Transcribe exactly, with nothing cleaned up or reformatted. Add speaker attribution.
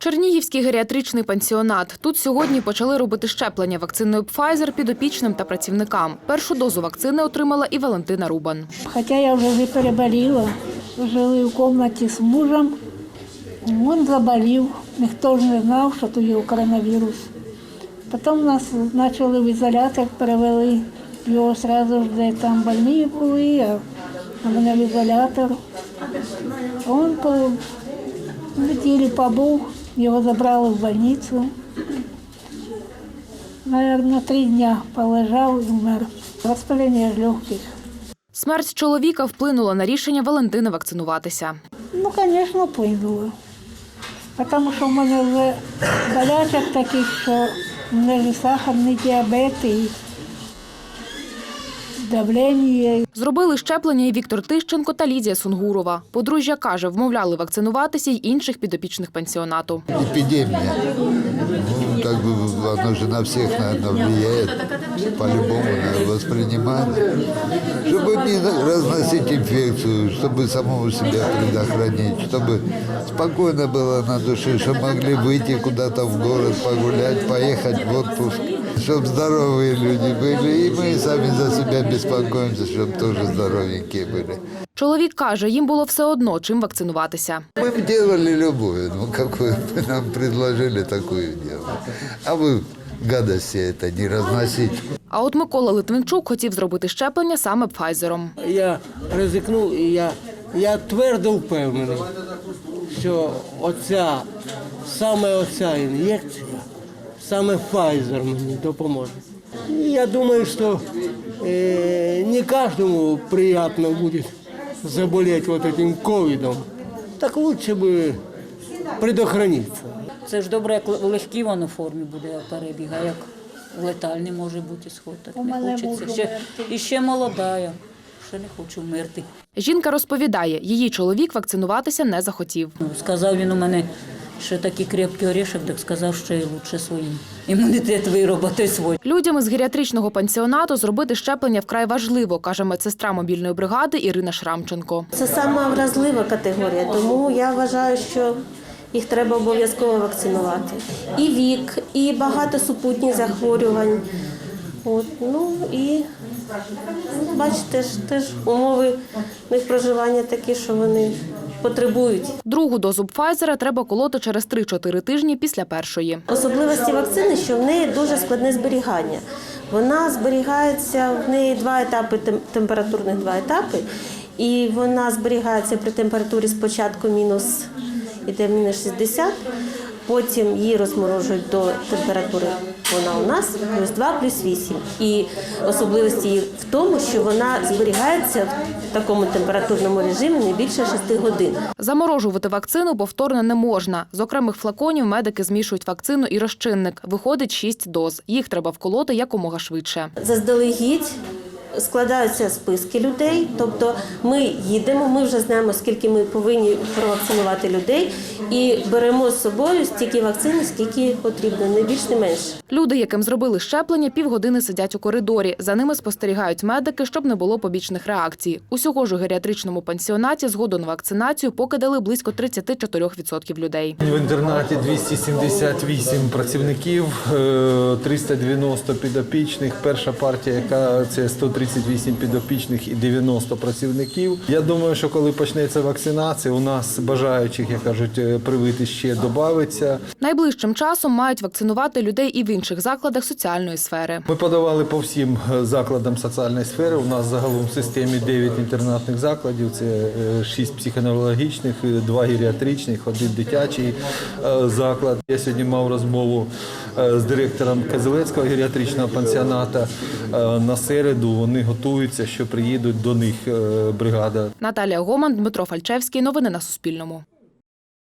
Speaker 1: Чернігівський геріатричний пансіонат. Тут сьогодні почали робити щеплення вакциною Pfizer підопічним та працівникам. Першу дозу вакцини отримала і Валентина Рубан.
Speaker 2: Хоча я вже переболіла, жили в кімнаті з мужем, він заболів, ніхто ж не знав, що тут є коронавірус. Потім нас почали в ізолятор, перевели його одразу ж, де там больні були, а мене в ізолятор. Він по неділі побув, його забрали в больницю. Наверно, три дні полежав і вмер. Воспалення легких.
Speaker 1: Смерть чоловіка вплинула на рішення Валентини вакцинуватися.
Speaker 2: Ну, звісно, вплинуло. Тому що в мене вже болячок таких, що в мене ж сахарний діабет і давлення.
Speaker 1: Зробили щеплення і Віктор Тищенко та Лідія Сунгурова. Подружжя каже, вмовляли вакцинуватися й інших підопічних пансіонату.
Speaker 3: Епідемія. Ну, как бы оно же на всех, наверное, влияет. По-любому надо воспринимать. Чтобы не разносить инфекцию, чтобы самого себя предохранить, чтобы спокойно было на душе, чтобы могли выйти куда-то в город, погулять, поехать в отпуск. Чтобы здоровые люди были, и мы сами за себя беспокоимся, чтобы тоже здоровенькие были.
Speaker 1: Чоловік каже, їм було все одно, чим вакцинуватися.
Speaker 3: Мы бы делали любую, ну какую бы нам предложили, такую делать. А вы гадости это не разносить.
Speaker 1: А от Микола Литвинчук хотів зробити щеплення саме Пфайзером.
Speaker 4: Я ризикнув і я, я твердо впевнений, що оця, саме оця ін'єкція, саме Pfizer мені допоможе. І я думаю, що е, не кожному приємно буде заболіти вот этим ковідом. Так лучше би предохранитися.
Speaker 5: Це ж добре, як в легкій воно формі буде перебіг, а як в летальний може бути сход, так не хочеться. Ще, і ще молода я, ще не хочу вмерти.
Speaker 1: Жінка розповідає, її чоловік вакцинуватися не захотів.
Speaker 5: Ну, сказав він у мене, що такий крепкий орешок, так сказав, що і лучше своїм. Імунітет виробити свій.
Speaker 1: Людям із геріатричного пансіонату зробити щеплення вкрай важливо, каже медсестра мобільної бригади Ірина Шрамченко.
Speaker 6: Це сама вразлива категорія, тому я вважаю, що їх треба обов'язково вакцинувати. І вік, і багато супутніх захворювань. От, ну і бачите, ж, теж умови їх проживання такі, що вони потребують.
Speaker 1: Другу дозу Пфайзера треба колоти через три-чотири тижні після першої.
Speaker 6: Особливості вакцини, що в неї дуже складне зберігання. Вона зберігається, в неї два етапи, температурних два етапи, і вона зберігається при температурі спочатку мінус, іде мінус шістдесят, потім її розморожують до температури, вона у нас, плюс два, плюс вісім. І особливості її в тому, що вона зберігається в такому температурному режимі не більше шести годин.
Speaker 1: Заморожувати вакцину повторно не можна. З окремих флаконів медики змішують вакцину і розчинник. Виходить шість доз. Їх треба вколоти якомога швидше.
Speaker 6: Заздалегідь складаються списки людей, тобто ми їдемо, ми вже знаємо, скільки ми повинні провакцинувати людей, і беремо з собою стільки вакцини, скільки потрібно, не більш, не менше.
Speaker 1: Люди, яким зробили щеплення, півгодини сидять у коридорі. За ними спостерігають медики, щоб не було побічних реакцій. Усього ж у геріатричному пансіонаті згоду на вакцинацію поки дали близько тридцять чотири відсотки людей.
Speaker 7: В інтернаті двісті сімдесят вісім працівників, триста дев'яносто підопічних. Перша партія, яка це сто тридцять вісім підопічних і дев'яносто працівників. Я думаю, що коли почнеться вакцинація, у нас бажаючих, як кажуть, привити ще додається.
Speaker 1: Найближчим часом мають вакцинувати людей і в інших закладах соціальної сфери.
Speaker 7: Ми подавали по всім закладам соціальної сфери. У нас загалом в системі дев'ять інтернатних закладів. Це шість психоневрологічних, два геріатричних, один дитячий заклад. Я сьогодні мав розмову з директором Козелецького геріатричного пансіоната. На середу вони готуються, що приїдуть до них бригада.
Speaker 1: Наталія Гоман, Дмитро Фальчевський. Новини на Суспільному.